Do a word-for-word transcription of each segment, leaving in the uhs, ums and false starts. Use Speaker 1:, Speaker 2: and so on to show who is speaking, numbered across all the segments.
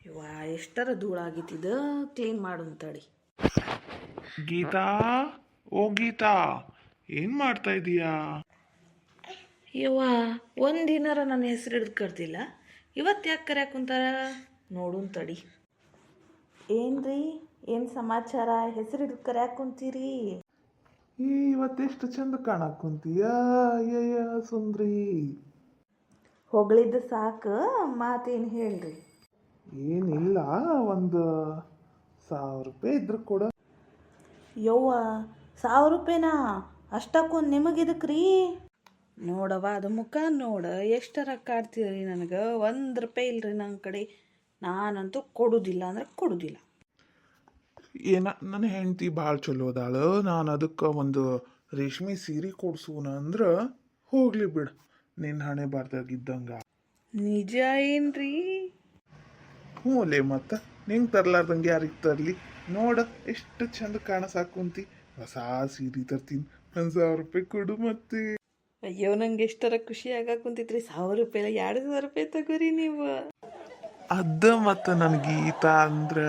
Speaker 1: ಇವ ಎಷ್ಟರ ಧೂಳಾಗಿತ್ತಿದ ಕ್ಲೀನ್ ಮಾಡು ತಡಿ.
Speaker 2: ಗೀತಾ, ಓ ಗೀತಾ, ಏನ್ ಮಾಡ್ತಾ ಇದೀಯಾ?
Speaker 1: ಯವ್ವ ಒಂದಿನಾರ ನನ್ನ ಹೆಸರು ಹಿಡಿದು ಕರ್ದಿಲ್ಲ, ಇವತ್ತು ಯಾಕೆ ಕರ್ಯಾಕ ಕುಂತಾರ ನೋಡು ತಡಿ. ಏನ್ರಿ, ಏನು ಸಮಾಚಾರ? ಹೆಸರು ಹಿಡಿದು ಕರ್ಯಾಕ ಕುಂತೀರಿ?
Speaker 2: ಈ ಇವತ್ತೆಷ್ಟು ಚಂದ ಕಾಣಕ್ ಕುಂತೀಯ ಅಯ್ಯಯ್ಯ ಸುಂದ್ರಿ.
Speaker 1: ಹೊಗಳಿದ್ದು ಸಾಕು, ಮಾತೇನು ಹೇಳ್ರಿ.
Speaker 2: ಏನಿಲ್ಲ, ಒಂದು ಸಾವಿರ ರೂಪಾಯಿ ಇದ್ರು ಕೊಡ.
Speaker 1: ಯವ್ವ ಸಾವಿರ ರೂಪಾಯಿನಾ? ಅಷ್ಟಕ್ಕೊಂದು ನಿಮಗಿದಕ್ಕೆ ರೀ? ನೋಡವ ಅದು ಮುಖ ನೋಡ, ಎಷ್ಟರ ಕಾಡ್ತೀರಿ ನನಗೆ. ಒಂದು ರೂಪಾಯಿ ಇಲ್ರಿ ನನ್ನ ಕಡೆ. ನಾನಂತೂ ಕೊಡುವುದಿಲ್ಲ ಅಂದ್ರೆ ಕೊಡುವುದಿಲ್ಲ.
Speaker 2: ಏನ ನನ್ನ ಹೆಂಡತಿ ಭಾಳ ಚಲೋ ಅದಾಳು, ನಾನು ಅದಕ್ಕೆ ಒಂದು ರೇಷ್ಮೆ ಸೀರೆ ಕೊಡ್ಸೂನ ಅಂದ್ರೆ ಹೋಗ್ಲಿ ಬಿಡು, ನಿನ್ನ ಹಣೆ ಬರ್ದಾಗಿದ್ದಂಗ.
Speaker 1: ನಿಜ ಏನ್ರಿ?
Speaker 2: ಹ್ಞೂ ಲೇ, ಮತ್ತು ನಿಂಗೆ ತರ್ಲಾರ್ದಂಗೆ ಯಾರಿಗೆ ತರಲಿ? ನೋಡ ಎಷ್ಟು ಚಂದ ಕಾಣಸಾಕ್ ಕುಂತಿ. ಹೊಸ ಸೀರೆ ತರ್ತೀನಿ, ಒಂದು ಸಾವಿರ ರೂಪಾಯಿ ಕೊಡು ಮತ್ತೆ.
Speaker 1: ಅಯ್ಯೋ ನಂಗೆ ಎಷ್ಟರ ಖುಷಿ ಆಗಾಕ ಕುಂತಿತ್ರಿ. ಸಾವಿರ ರೂಪಾಯಿ ಎರಡು ಸಾವಿರ ರೂಪಾಯಿ ತಗೋರಿ ನೀವು.
Speaker 2: ಅದ ಮತ್ತು ನನ್ನ ಗೀತಾ ಅಂದ್ರ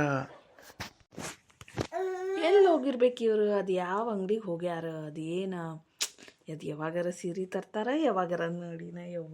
Speaker 1: ಎಲ್ಲಿ ಹೋಗಿರ್ಬೇಕು ಇವರು? ಅದು ಯಾವ ಅಂಗಡಿಗೆ ಹೋಗ್ಯಾರ? ಅದು ಏನ ಅದು ಯಾವಾಗಾರ ಸೀರೆ ತರ್ತಾರ, ಯಾವಾಗಾರ ನೋಡಿನ. ಯವ್ವ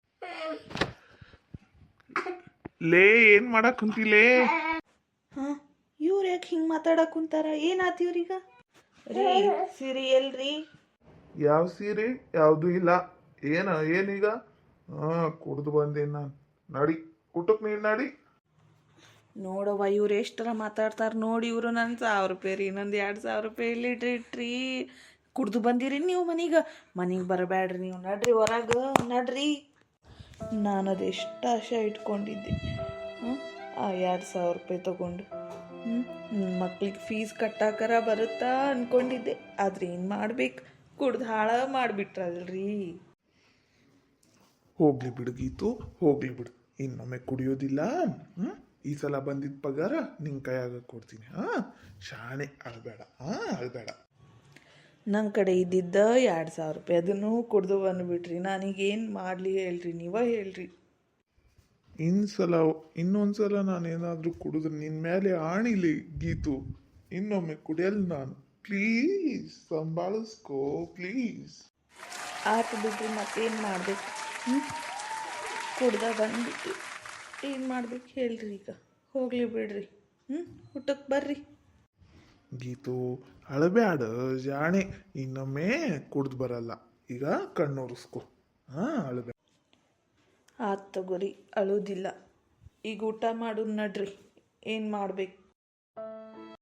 Speaker 2: ಲೇ, ಏನ್ ಮಾಡಕ್ ಕುಂತಿಲೇ?
Speaker 1: ಹಾಂ, ಇವ್ರು ಯಾಕೆ ಹಿಂಗೆ ಮಾತಾಡಕ್ ಕುಂತಾರ? ಏನಾತ ಇವ್ರೀಗ? ರೀ ಸೀರೆ ಎಲ್ರಿ?
Speaker 2: ಯಾವ ಸೀರೆ? ಯಾವುದು ಇಲ್ಲ. ಏನ ಏನೀಗ? ಹಾಂ, ಕುಡ್ದು ಬಂದೇನು ನಾನು. ನಡಿ ಊಟಕ್ಕೆ, ನೀನು ನಡಿ.
Speaker 1: ನೋಡವ್ವ ಇವ್ರು ಎಷ್ಟರ ಮಾತಾಡ್ತಾರೆ ನೋಡಿ. ಇವರು ನನ್ನ ಸಾವಿರ ರೂಪಾಯಿ ರೀ, ನಂದು ಎರಡು ಸಾವಿರ ರೂಪಾಯಿ ಇಲ್ಲಿ ಇಟ್ರಿ ಇಟ್ರಿ ಕುಡ್ದು ಬಂದಿರಿ ನೀವು ಮನೆಗೆ. ಮನೆಗೆ ಬರಬೇಡ್ರಿ ನೀವು, ನಡ್ರಿ ಹೊರಗೆ ನಡ್ರಿ. ನಾನು ಅದು ಎಷ್ಟು ಆಶೆ ಇಟ್ಕೊಂಡಿದ್ದೆ. ಹ್ಞೂ ಆ ಎರಡು ಸಾವಿರ ರೂಪಾಯಿ ತೊಗೊಂಡು ಹ್ಞೂ ಮಕ್ಳಿಗೆ ಫೀಸ್ ಕಟ್ಟಾಕರ ಬರುತ್ತಾ ಅಂದ್ಕೊಂಡಿದ್ದೆ. ಆದರೆ ಏನು ಮಾಡ್ಬೇಕು, ಕುಡ್ದು ಹಾಳ ಮಾಡಿಬಿಟ್ರಲ್ರಿ.
Speaker 2: ಹೋಗ್ಲಿ ಬಿಡು ಗೀತು, ಹೋಗ್ಲಿ ಬಿಡು. ಇನ್ನೊಮ್ಮೆ ಕುಡಿಯೋದಿಲ್ಲ. ಹ್ಞೂ ಈ ಸಲ ಬಂದಿದ್ದ ಪಗಾರ ನಿನ್ನ ಕೈಯಾಗ ಕೊಡ್ತೀನಿ. ಹಾಂ, ಶಾಣೆ, ಅಳಬೇಡ. ಹಾಂ, ಅಳಬೇಡ.
Speaker 1: ನನ್ನ ಕಡೆ ಇದ್ದಿದ್ದ ಎರಡು ಸಾವಿರ ರೂಪಾಯಿ ಅದನ್ನು ಕುಡ್ದು ಬಂದುಬಿಟ್ರಿ. ನನಗೇನು ಮಾಡಲಿ ಹೇಳ್ರಿ, ನೀವೇ ಹೇಳ್ರಿ.
Speaker 2: ಇನ್ಸಲ ಇನ್ನೊಂದ್ಸಲ ನಾನೇನಾದರೂ ಕುಡಿದ್ರೆ ನಿನ್ನ ಮೇಲೆ ಆಣಿಲಿ ಗೀತು. ಇನ್ನೊಮ್ಮೆ ಕುಡಿಯಲ್ಲ ನಾನು. ಪ್ಲೀಸ್ ಸಂಭಾಳಿಸ್ಕೋ ಪ್ಲೀಸ್.
Speaker 1: ಆತು ಬಿಡ್ರಿ, ಮತ್ತೇನು ಮಾಡ್ಬೇಕು? ಹ್ಞೂ ಕುಡ್ದ ಬಂದ್ಬಿಟ್ಟು ಏನು ಮಾಡ್ಬೇಕು ಹೇಳ್ರಿ ಈಗ? ಹೋಗ್ಲಿ ಬಿಡ್ರಿ. ಹ್ಞೂ ಊಟಕ್ಕೆ ಬರ್ರಿ.
Speaker 2: ಗೀತು ಅಳಬ್ಯಾಡ ಜಾಣೆ, ಇನ್ನೊಮ್ಮೆ ಕುಡ್ದು ಬರಲ್ಲ. ಈಗ ಕಣ್ಣೊರೆಸ್ಕೊ. ಹಾಂ, ಅಳಬೇಡ.
Speaker 1: ಆತು ತಗೋರಿ, ಅಳೋದಿಲ್ಲ. ಈಗ ಊಟ ಮಾಡೋದು ನಡ್ರಿ. ಏನು ಮಾಡ್ಬೇಕು?